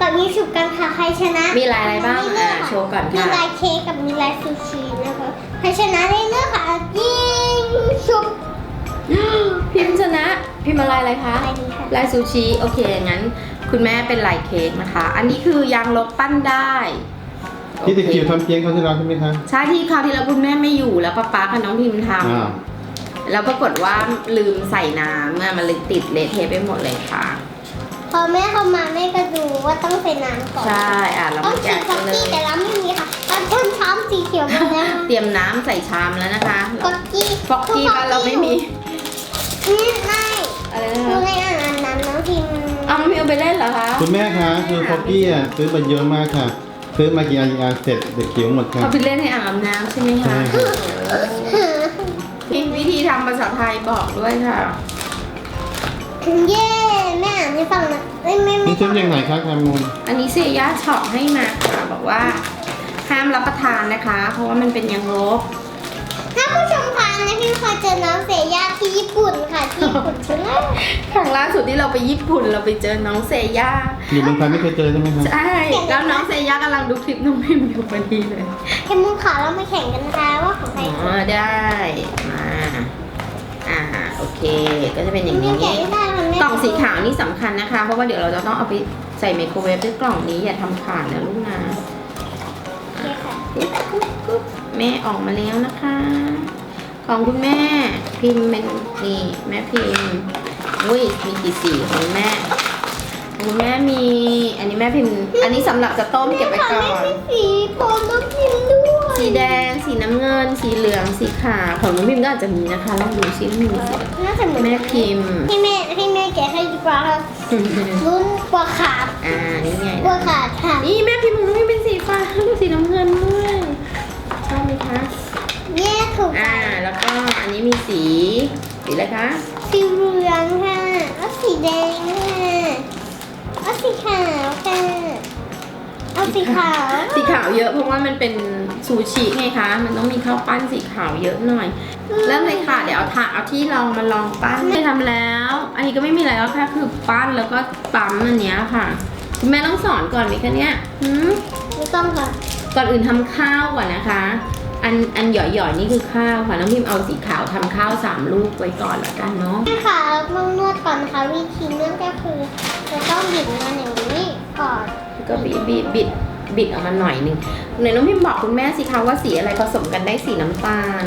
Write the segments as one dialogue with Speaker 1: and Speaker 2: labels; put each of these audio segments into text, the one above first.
Speaker 1: ยิงฉุบกันค่ะใครชนะ
Speaker 2: มีลายอะไรบ้างโชว์ก่อนค่ะ
Speaker 1: มีลายเค้กกับมีลายซูชินะคะใครชนะได้เลือกค่ะยิงฉุบ
Speaker 2: พิมพ์ชนะพิมพ์อะไรคะ
Speaker 1: ลายนี้ค่ะ
Speaker 2: ลายซูชิโอเคงั้นคุณแม่เป็นลายเค้กนะคะ อันนี้คือยางลบปั้นได้
Speaker 3: ที่ตะเกียบทำเพียงเขาที่เราใช่ไหมคะ
Speaker 2: ใช่ที่คราวที่แล้วคุณแม่ไม่อยู่แล้วป๊ากับน้องพิมพ์ท
Speaker 3: อ้าว
Speaker 2: ำแล้วปรากฏว่าลืมใส่น้ำมันเลยติดเละเทะไปหมดเลยค่ะ
Speaker 1: พอแม่เข้ามาแม่ก็ดูว่าต้องใส่น้ำก่อน
Speaker 2: ใช่เรา
Speaker 1: ต้อง
Speaker 2: มา
Speaker 1: สี
Speaker 2: แกะ
Speaker 1: ฟ
Speaker 2: กั
Speaker 1: อน ก
Speaker 2: เล
Speaker 1: กี้
Speaker 2: ย
Speaker 1: แต่เราไม่มีค่ะเราเพิ่มช้ำสีเขียวมาแล้ว
Speaker 2: เตรียมน้ำใส่ชามแล้วนะคะ
Speaker 1: ฟอกกี้
Speaker 2: ฟอกกี้บ้านเราไม่มี
Speaker 1: นี่ไม่
Speaker 2: อะไรนะ
Speaker 1: คือ
Speaker 2: คะ
Speaker 1: ในอ่านนั้นน้องพิมพ์
Speaker 2: เอาไม่เอาไปเล่นเหรอคะ
Speaker 3: คุณแม่คะคือฟอกกี้อ่ะซื้อมาเยอะมากค่ะ ซื้อมากี่อันเสร็จเด็กเขียวหมดค่ะ
Speaker 2: เอาไปเล่นในอ่างอาบน้ำใช่ไหม
Speaker 3: ใช่
Speaker 2: คะ
Speaker 3: ค่ะ
Speaker 2: มีวิธีทำภาษาไทยบอกด้วยค่ะ
Speaker 1: เย้แม่อ่านให้ฟังนะไม่
Speaker 3: นี่ซื้อยังไงคะแคมูล
Speaker 2: อันนี้เซียย่าช็อปให้มาค่ะบอกว่าห้ามรับประทานนะคะ เพราะว่ามันเป็นยางลบ
Speaker 1: ถ้าผู้ชมคะนะพี่เคยเจอน้องเสยาที่ญี่ปุ่นค่ะที่ญี่ปุ่นใช่ไหม
Speaker 2: ครั้งล่าสุดที่เราไปญี่ปุ่นเราไปเจอน้องเซย่า
Speaker 3: อยู่เมืองไทยไม่เคยเจอใช่ไหมคะ
Speaker 2: ใช่แล้วน้องเซย่ากำลังดูคลิปน้องพิมอยู่พอดีเลย
Speaker 1: แค่มุงขาเรามาแข่งกันนะคะว่าของใคร
Speaker 2: อ๋อได้มาโอเค ก็จะเป็นอย่าง
Speaker 1: ไม่
Speaker 2: นี้
Speaker 1: แข่งไม่ได้ค่ะแม่
Speaker 2: กล่องสีขาวนี่สำคัญนะคะ เพราะว่าเดี๋ยวเราจะต้องเอาไปใส่ไมโครเวฟด้วยกล่องนี้อย่าทำขาดนะลูกนะ
Speaker 1: โอเคค่ะ
Speaker 2: แม่ออกมาแล้วนะคะ ของคุณแม่พิมพ์เป็นนี่แม่พิมพ์อุ้ยมีกี่สีของคุณแม่ของคุณแม่มีอันนี้แม่พิมพ์อันนี้สำหรับจะต้มเก็บไว้ก่อน
Speaker 1: ไม่สีผมต้องพิมพ์ด้วย
Speaker 2: สีแดงสีน้ำเงิน สีเหลืองสีขาวของน้องพิมพ์ก็อาจจะมีนะคะลองดูซิว่ามีสีอะไร
Speaker 1: น่าจะเหมือน
Speaker 2: แม่พิมพ์
Speaker 1: ให้แม่แกะให้ดีกว่าค่ะรุ่นกว่าขาด
Speaker 2: นี่ไง
Speaker 1: กว่าขาดค่ะ
Speaker 2: นี่แม่พิมพ์ของน้องพิมพ์เป็นสีฟ้าดูสีน้ำเงินด้วยชอบไหมคะ
Speaker 1: แยกถูก
Speaker 2: แล้วก็อันนี้มีสีอะไรคะ
Speaker 1: สีเหลืองค่ะแล้วสีแดงค่ะแล้วสีขาวค่ะเอาสีขาว
Speaker 2: สีขาวเยอะเพราะว่ามันเป็นซูชิไงคะ มันต้องมีข้าวปั้นสีขาวเยอะหน่อย เริ่มเลยค่ะ เดี๋ยวเอาที่ลองมาลองปั้นไม่ทำแล้ว อันนี้ก็ไม่มีอะไรแล้วค่ะคือปั้นแล้วก็ปั๊มอันเนี้ยค่ะคุณแม่ต้องสอนก่อนไหมคะเนี่ย
Speaker 1: ไม่ต้องค่ะ
Speaker 2: ก่อนอื่นทำข้าวก่อนนะคะ อันหย่อยๆนี่คือข้าวค่ะน้องพิมเอาสีขาวทำข้าว3 ลูกไว้ก่อนละกันเนาะ
Speaker 1: แม่ค่ะเราต้องนวดก่อนนะคะวิธีนวดก็คือเราต้องบิดมันอย่างนี้ก่อน
Speaker 2: ก็บิดออกมาหน่อยหนึงไหนน้องพิมบอกคุณแม่สิคะว่าสีอะไรผสมกันได้สีน้ำตาล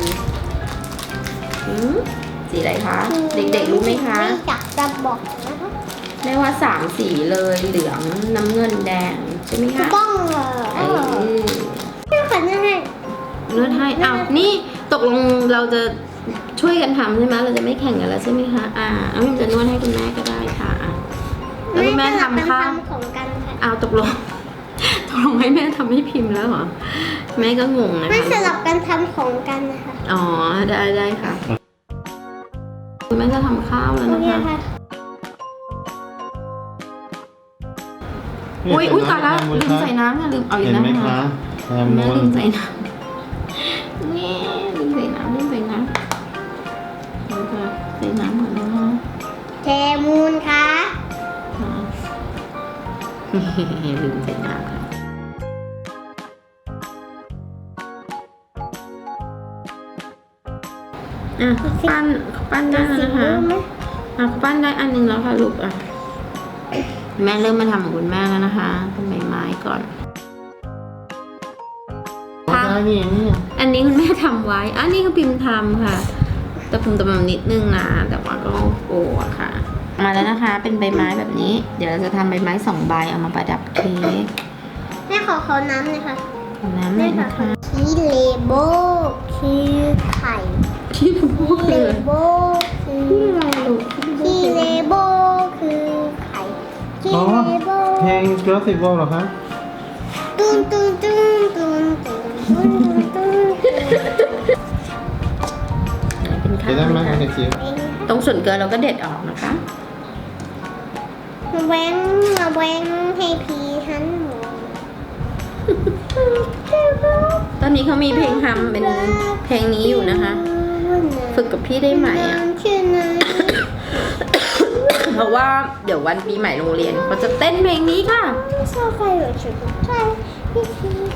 Speaker 2: สีอะไรคะ เด็กๆรู้ไหมคะ
Speaker 1: ไม่อยากจะบอกนะคะ
Speaker 2: แม่ว่า3 สีเลยเหลืองน้ำเงินแดงใช่ไหม
Speaker 1: ถูก
Speaker 2: คะ
Speaker 1: ต้องเหรอ แม่ค่ะนั่นไง
Speaker 2: นวดให้อ้าวนี่ตกลงเราจะช่วยกันทำใช่ไหมเราจะไม่แข่งกันแล้วใช่ไหมคะน้องพิมจะนวดให้คุณแม่ก็ได้ค่ะแล้วคุณแม่ทำข้าว
Speaker 1: ของกันค่ะ
Speaker 2: เอาตกลงให้แม่ทำให้พิมพ์แล้วเหรอแม่ก็งงนะ
Speaker 1: ไม่
Speaker 2: คะ
Speaker 1: สลับกันทำของกันนะคะ
Speaker 2: อ๋อได้ค่ะคุณแม่จะทำข้าวแล้ว
Speaker 1: โอ
Speaker 2: นะ
Speaker 1: เค
Speaker 2: คะ
Speaker 1: ค่ะ
Speaker 2: อุ้ยตายแล้วลืมใส่น้ำค่ะลืมเอาอี
Speaker 3: เห็
Speaker 2: ก
Speaker 3: น
Speaker 2: แล้ว
Speaker 3: ไหม
Speaker 2: นะคะ
Speaker 3: คะ
Speaker 2: แม่ลืมใส่น้ำนี่ลืมใส่น้ำเอาค่ะใส่น้ำก่อนนะคะ
Speaker 1: แคมูลค่ะ
Speaker 2: ลืมใส่น้ำค่ะปั้นได้แล้วนะคะปั้นได้อันนึงแล้วค่ะลูกแม่เริ่มมาทำของคุณแม่แล้วนะคะเป็นใบไม้ก่อน
Speaker 3: ได้นี่
Speaker 2: อันนี้คุณแม่ทำไว้อันนี้ก็พิมพ์ทำค่ะแต่พิมพ์ตำนิดนึงนะแต่ว่าก็โอ้ค่ะ มาแล้วนะคะเป็นใบไม้แบบนี้ เดี๋ยวเราจะทำใบไม้2 ใบเอามาประดับเค้ก
Speaker 1: แม่ขอน้ำเลยค่ะ
Speaker 2: น้ำหน่อยนะคะ
Speaker 1: คีเลโบคือไข่
Speaker 2: ที่พู
Speaker 1: คี
Speaker 2: ด
Speaker 1: เล
Speaker 2: เลย
Speaker 1: โบคือ
Speaker 2: ที่อะไรลูก
Speaker 1: คีเลโบคือไข่คี
Speaker 3: อ๋อ
Speaker 1: เลโบ
Speaker 3: เพลง Jurassic World เหรอคะ
Speaker 1: ตุ้นตุ้นตุ้นตุ้นตุ้นตุ้นตุ้น
Speaker 2: เป็นข้า
Speaker 3: จะ
Speaker 2: ว
Speaker 3: ได้ไหม
Speaker 2: นะคะ
Speaker 3: เด็กจิ๋ว
Speaker 2: ตรงส่วนเกินเราก็เด็ดออกนะคะ
Speaker 1: มาแว้งให้พีทันหมู
Speaker 2: ตอนนี้เขามีเพลงทำเป็นเพลงนี้อยู่นะคะ ฝึกกับพี่ได้ไหมอ่ะ
Speaker 1: ชื่อไหน
Speaker 2: เพราะว่าเดี๋ยววันปีใหม่โรงเรียนเขาจะเต้นเพลงนี้ค่ะ
Speaker 1: 烧饭有吃不在一起就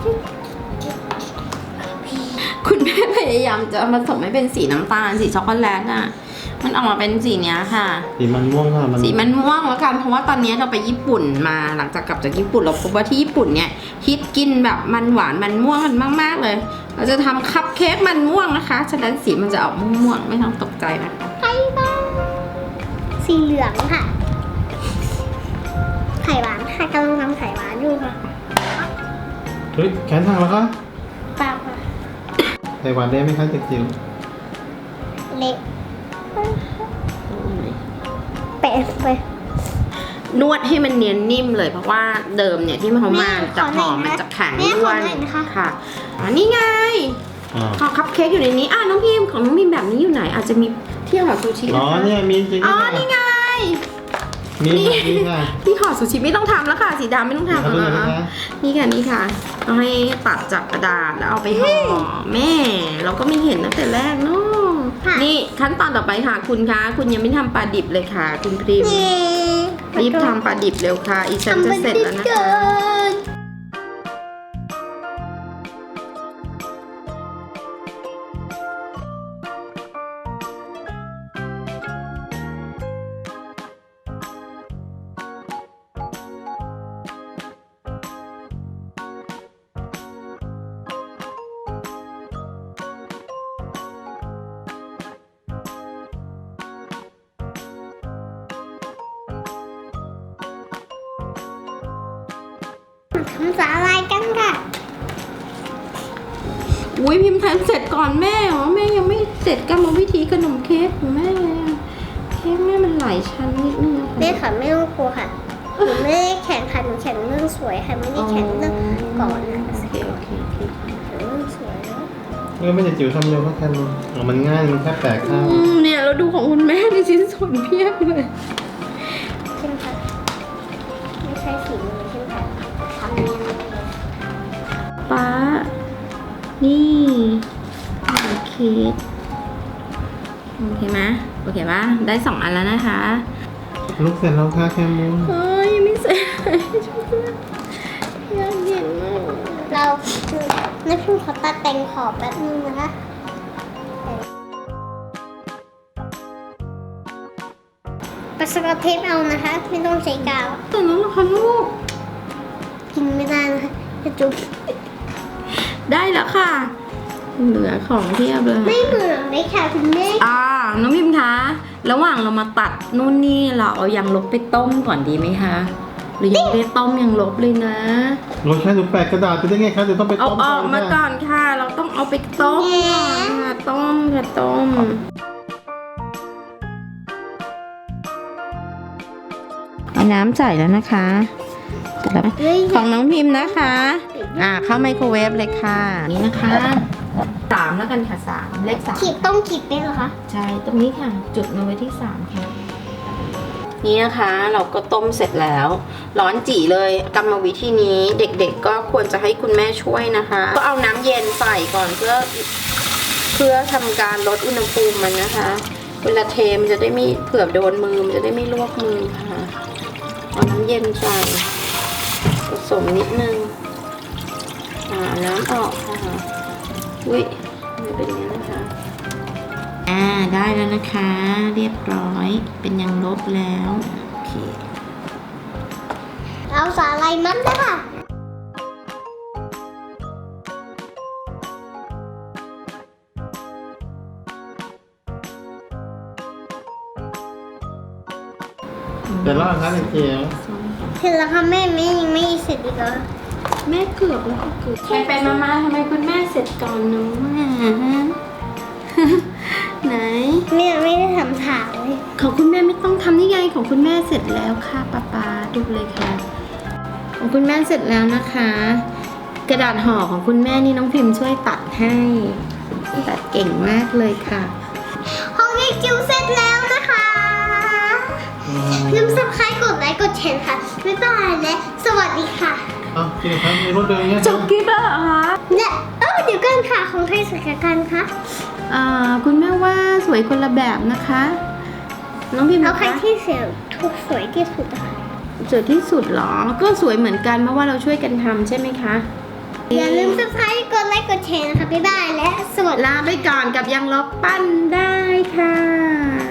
Speaker 2: คุณแม่พยายามจะผสมให้เป็นสีน้ำตาลสีช็อกโกแลตอ่ะมันออกมาเป็นสีเนี้ยค่ะ
Speaker 3: สีมันม่วงค่ะ
Speaker 2: สีมันม่วงแล้วกันเพราะว่าตอนนี้เราไปญี่ปุ่นมาหลังจากกลับจากญี่ปุ่นเราพบว่าที่ญี่ปุ่นเนี่ยฮิตกินแบบมันหวานมันม่วงกันมากๆเลย เราจะทำคัพเค้กมันม่วงนะคะฉะนั้นสีมันจะออกม่วงๆไม่ต้องตกใจนะคะ
Speaker 1: ไข่บ้างสีเหลืองค่ะ ไข่หวานค่ะกำลังทำไข่หวานอยู่ค่ะ
Speaker 3: เฮ้ยแขนหักแล้วคะ
Speaker 1: เปล่าค่ะ
Speaker 3: ไข่หวานได้ไหมคะเด็กจิ๋ว
Speaker 1: เละแปะไป
Speaker 2: นวดให้มันเนียนนิ่มเลยเพราะว่าเดิมเนี่ยที่เขามาจะหอมมันจะแข็งด้วนค่ะนี่ไง
Speaker 3: อ๋อ
Speaker 2: ของคัพเค้กอยู่ในนี้น้องพิมของน้องพิมแบบนี้อยู่ไหนอาจจะมีเที่ยวหอซูชิ
Speaker 3: อ๋อ
Speaker 2: นะคะ
Speaker 3: เนี่ยมีจริง
Speaker 2: อ๋อ
Speaker 3: ค่ะ
Speaker 2: นี่ไง
Speaker 3: มีค่ะมีค่ะ
Speaker 2: ที่ห่อซูชิไม่ต้องทำแล้วค่ะสีดำไม่ต้องทำ
Speaker 3: เอาดูหน่อย
Speaker 2: แล้ว
Speaker 3: นะคะ
Speaker 2: นี่ค่ะนี่ค่ะเอาให้ตัดจากกระดาษแล้วเอาไปห่อแม่ เราก็ไม่เห็นตั้งแต่แรกเนาะนี่ขั้นตอนต่อไปค่ะคุณคะคุณยังไม่ทำปลาดิบเลยค่ะ คุณพริมรีบทำปลาดิบเร็วค่ะอีฉันจะเสร็จแล้วนะคะ
Speaker 1: ทำสาลายกันค่ะ
Speaker 2: อุ้ยพิมพ์ทำเสร็จก่อนแม่เหรอแม่ยังไม่เสร็จกรรมวิธีขนมเค้กของแม่เลยอะเค้กแม่มันหลายชั้นนิดนึงอะ
Speaker 1: แม่ค่ะไม่ต้องกลัวค่ะหนูไม่ได้แข่งค่ะหนูแข่งเรื่องสวยค่ะไม่ได้แข่งเรื่องก่อนนะ
Speaker 2: โอเคโอเคโอเค
Speaker 1: แข่งเรื่องสวยแล้ว
Speaker 3: ไม่เด็กจิ๋วทำเร็วเพราะแค่นี้อ๋อมันง่ายมันแค่แปะข้าง
Speaker 2: เนี่ยเราดูของคุณแม่ในชิ้นส่วนเพียบเลย
Speaker 1: ใช่ไหมคะไม่ใช่สีมือใช่ไหมคะทำเนียนเลย
Speaker 2: ป้า นี่โอเคโอเคไหมโอเคปะได้2 อันแล้วนะคะ
Speaker 3: ลูกเสร็จแล้วค่ะแคมูน
Speaker 2: เฮ้ยยังไม่เสร็จยากเย็นมาก
Speaker 1: เรานักพิมพ์ขอตัดแต่งขอบแป๊บนึงนะคะปากสกอตเทปเอานะคะไม่ต้องใช้กาว
Speaker 2: แต่นั้นเหรอคะลูก
Speaker 1: กินไม่ได้นะคะจะจุ๊บ
Speaker 2: ได้แล้วค่ะ เหลือของเทียบเลย
Speaker 1: ไม่เหมือนเลยค่ะคุณแม่
Speaker 2: น้องพิมคะ ระหว่างเรามาตัดนู่นนี่เราเอายางลบไปต้มก่อนดีไหมคะ หรือยังไม่ได้ต้มยางลบเลยนะ
Speaker 3: รถแค่หนูแปะกระดาษไปได้ไงคะเดี๋ยวต้องไป
Speaker 2: เอา
Speaker 3: ต้ม
Speaker 2: ออกมาก่อนค่ะ เราต้องเอาไปต้มก่อนค่ะต้มค่ะต้มเอาน้ำใส่แล้วนะคะเสร็จแล้วไหม
Speaker 1: เฮ้ย
Speaker 2: ของน้องพิมพ์นะคะ เข้าไมโครเวฟเลยค่ะ นี่นะคะ3แล้วกันค่ะ3เลข
Speaker 1: ขีดต้องขีดได้เหรอคะ
Speaker 2: 3ใช่ ตรงนี้ค่ะ จุดมาไว้ที่3ค่ะ นี่นะคะเราก็ต้มเสร็จแล้ว ร้อนจี่เลยกรรมวิธีนี้เด็กๆก็ควรจะให้คุณแม่ช่วยนะคะ ก็เอาน้ำเย็นใส่ก่อนเพื่อทำการลดอุณหภูมิมันนะคะ เวลาเทมันจะได้ไม่เผื่อโดนมือมันจะได้ไม่ลวกมือค่ะเอาน้ำเย็นใส่ผสมนิดนึงน้ำออกค่ะอุ้ยมันเป็นอย่างนี้นะคะได้แล้วนะคะ เรียบร้อยเป็นยางลบแล้วโอเค
Speaker 1: เอาสาลายมัดนะคะ
Speaker 3: เดี๋ยวรอครับเด็กจิ๋ว
Speaker 1: เสร็จแล้วค่ะแม่ยังไม่เสร็จอีกเหรอ
Speaker 2: แม่เกือบแล้วเกือบไปมาทำไมคุณแม่เสร็จก่อนหนูไหน
Speaker 1: แม่ไม่ได้ทำถามเลย
Speaker 2: ของคุณแม่ไม่ต้องทำนี่ไงของคุณแม่เสร็จแล้วค่ะป๊าดูเลยค่ะของคุณแม่เสร็จแล้วนะคะ กระดาษห่อของคุณแม่นี่น้องพิมพ์ช่วยตัดให้ตัดเก่งมากเลยค่ะ
Speaker 1: ห้องเด็กจิ๋วเสร็จแล้วนะคะลืม subscribe กดไลค์กดแชร์ค่ะบ๊ายบายและสวัสดีค่ะ
Speaker 3: อ้าวจริงครับมีรถเดินอย่างเงี้ย
Speaker 2: จบคลิปแล้วเหรอคะ
Speaker 1: และเดี๋ยวกันค่ะของใครสวยกว่ากันคะ
Speaker 2: คุณแม่ว่าสวยคนละแบบนะคะ น้องพิมพ์
Speaker 1: เอา
Speaker 2: นะ
Speaker 1: ใคร
Speaker 2: คะ
Speaker 1: ที่เสียงถูกสวยที่สุดอะค่ะ
Speaker 2: สวยที่สุดเหรอก็สวยเหมือนกันเพราะว่าเราช่วยกันทำใช่ไหมคะ
Speaker 1: อย่าลืม subscribe กดไลค์กดแชร์นะคะบ๊ายบายและสวัสดี
Speaker 2: ลาไปก่อนกับยังลบปั้นได้ค่ะ